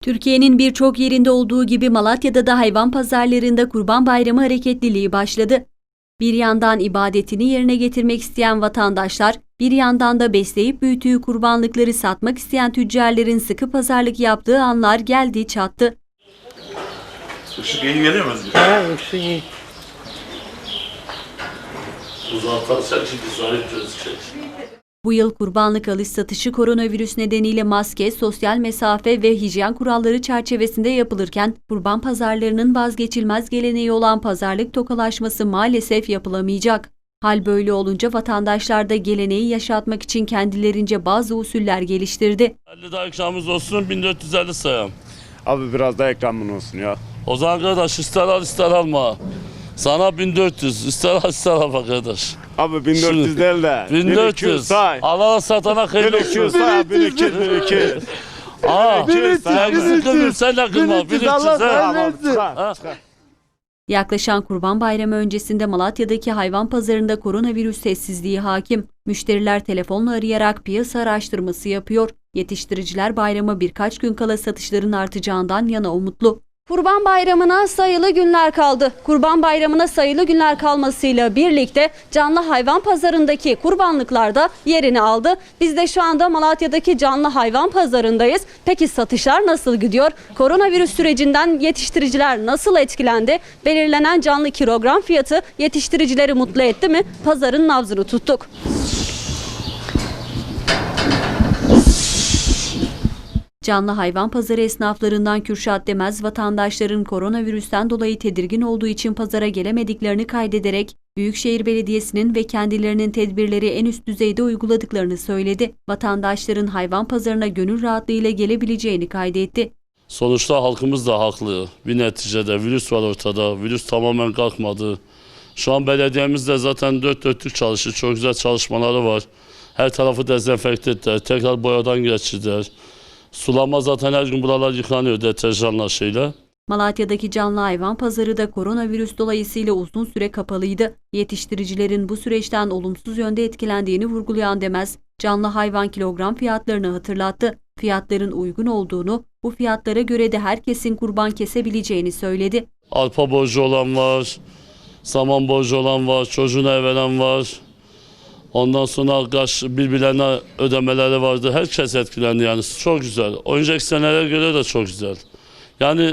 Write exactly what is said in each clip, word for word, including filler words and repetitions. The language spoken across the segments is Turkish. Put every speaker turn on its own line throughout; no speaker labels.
Türkiye'nin birçok yerinde olduğu gibi Malatya'da da hayvan pazarlarında Kurban Bayramı hareketliliği başladı. Bir yandan ibadetini yerine getirmek isteyen vatandaşlar, bir yandan da besleyip büyüttüğü kurbanlıkları satmak isteyen tüccarların sıkı pazarlık yaptığı anlar geldi çattı.
Işık iyi geliyor mu Özgür?
Ha, ışık iyi.
Uzaktan sen şimdi zahit gözükecek.
Bu yıl kurbanlık alış satışı koronavirüs nedeniyle maske, sosyal mesafe ve hijyen kuralları çerçevesinde yapılırken kurban pazarlarının vazgeçilmez geleneği olan pazarlık tokalaşması maalesef yapılamayacak. Hal böyle olunca vatandaşlar da geleneği yaşatmak için kendilerince bazı usuller geliştirdi.
elli daha ikramımız olsun, bin dört yüz elli sayalım.
Abi biraz daha ekranın olsun ya.
O zaman kardeş ister al ister alma. Sana bin dört yüz, ister al ister alma kardeş.
Abi bin dört yüz değil de.
bin dört yüz
say.
Alana satana hayırlı
bin iki yüz
olsun.
say. bin iki yüz, bin iki yüz.
Aa,
bin üç yüz,
sen kırma, sen de kırma. bin üç yüz
Allah
he.
versin.
Ha.
Yaklaşan Kurban Bayramı öncesinde Malatya'daki hayvan pazarında koronavirüs sessizliği hakim. Müşteriler telefonla arayarak piyasa araştırması yapıyor. Yetiştiriciler bayrama birkaç gün kala satışların artacağından yana umutlu. Kurban Bayramı'na sayılı günler kaldı. Kurban Bayramı'na sayılı günler kalmasıyla birlikte canlı hayvan pazarındaki kurbanlıklar da yerini aldı. Biz de şu anda Malatya'daki canlı hayvan pazarındayız. Peki satışlar nasıl gidiyor? Koronavirüs sürecinden yetiştiriciler nasıl etkilendi? Belirlenen canlı kilogram fiyatı yetiştiricileri mutlu etti mi? Pazarın nabzını tuttuk. Canlı hayvan pazarı esnaflarından Kürşat Demez, vatandaşların koronavirüsten dolayı tedirgin olduğu için pazara gelemediklerini kaydederek Büyükşehir Belediyesi'nin ve kendilerinin tedbirleri en üst düzeyde uyguladıklarını söyledi. Vatandaşların hayvan pazarına gönül rahatlığıyla gelebileceğini kaydetti.
Sonuçta halkımız da haklı. Bir neticede virüs var ortada. Virüs tamamen kalkmadı. Şu an belediyemiz de zaten dört dörtlük çalışıyor. Çok güzel çalışmaları var. Her tarafı dezenfekte ettiler. Tekrar boyadan geçirdiler. Sulama zaten her gün buralar yıkanıyor deterjanla şeyle.
Malatya'daki canlı hayvan pazarı da koronavirüs dolayısıyla uzun süre kapalıydı. Yetiştiricilerin bu süreçten olumsuz yönde etkilendiğini vurgulayan Demez, canlı hayvan kilogram fiyatlarını hatırlattı. Fiyatların uygun olduğunu, bu fiyatlara göre de herkesin kurban kesebileceğini söyledi.
Arpa borcu olan var, saman borcu olan var, çocuğuna ev veren var. Ondan sonra kaç birbirlerine ödemeleri vardı. Herkes etkilendi yani. Çok güzel. Önceki senelere göre de çok güzel. Yani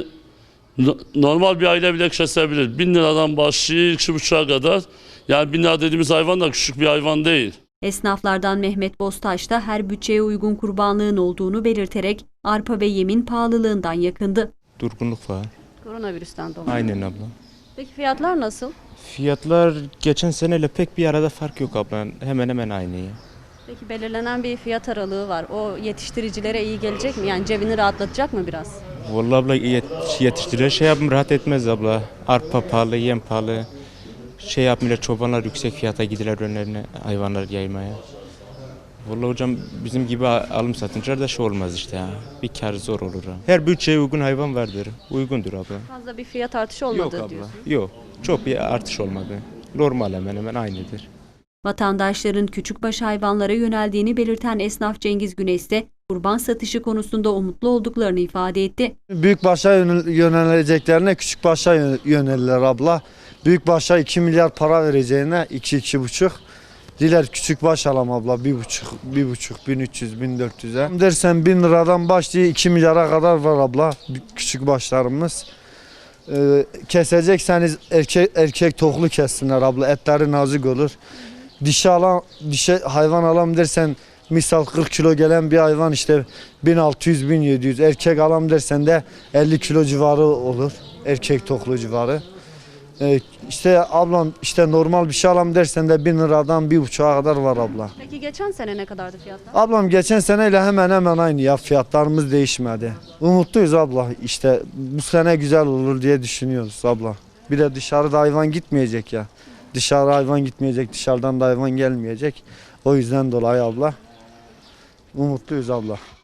normal bir aile bile kesebilir. Bin liradan başlıyor iki buçuğa kadar. Yani bin lira dediğimiz hayvan da küçük bir hayvan değil.
Esnaflardan Mehmet Bostaş da her bütçeye uygun kurbanlığın olduğunu belirterek arpa ve yemin pahalılığından yakındı.
Durgunluk var.
Koronavirüsten dolayı.
Aynen abla.
Peki fiyatlar nasıl?
Fiyatlar geçen seneyle pek bir arada fark yok abla. Hemen hemen aynı ya.
Peki belirlenen bir fiyat aralığı var. O yetiştiricilere iyi gelecek mi? Yani cebini rahatlatacak mı biraz?
Vallahi abla yet- yetiştirilen şey yapım rahat etmez abla. Arpa pahalı, yem pahalı. Şey yapmıyorlar, çobanlar yüksek fiyata gidiler önlerine hayvanlar yaymaya. Vallahi hocam bizim gibi alım satınca da şey olmaz işte ya. Bir kar zor olur ha. Her bütçeye uygun hayvan vardır. Uygundur abla.
Fazla bir fiyat artışı olmadı
Yok abla.
diyorsun.
Yok. Çok bir artış olmadı. Normal hemen hemen aynıdır.
Vatandaşların küçükbaş hayvanlara yöneldiğini belirten esnaf Cengiz Güneş de kurban satışı konusunda umutlu olduklarını ifade etti.
Büyükbaşa yöneleceklerine küçükbaşa yönelirler abla. Büyükbaşa iki milyar para vereceğine iki iki buçuk. Diler küçükbaş alam abla bir buçuk, bir buçuk, bin üç yüz, bin dört yüze. Dersen bin liradan başlıyor iki milyara kadar var abla küçükbaşlarımız. Ee, kesecekseniz erkek erkek toklu kessinler abla, etleri nazik olur. Dişi alan, dişi hayvan alam dersen misal kırk kilo gelen bir hayvan işte bin altı yüz bin yedi yüz, erkek alam dersen de elli kilo civarı olur, erkek toklu civarı. Ee, işte ablam işte normal bir şey alam dersen de bin liradan bir buçuğa kadar var abla.
Peki geçen sene ne kadardı fiyatlar?
Ablam geçen seneyle hemen hemen aynı ya, fiyatlarımız değişmedi. Umutluyuz abla, işte bu sene güzel olur diye düşünüyoruz abla. Bir de dışarıda hayvan gitmeyecek ya. Dışarı hayvan gitmeyecek, dışarıdan da hayvan gelmeyecek. O yüzden dolayı abla umutluyuz abla.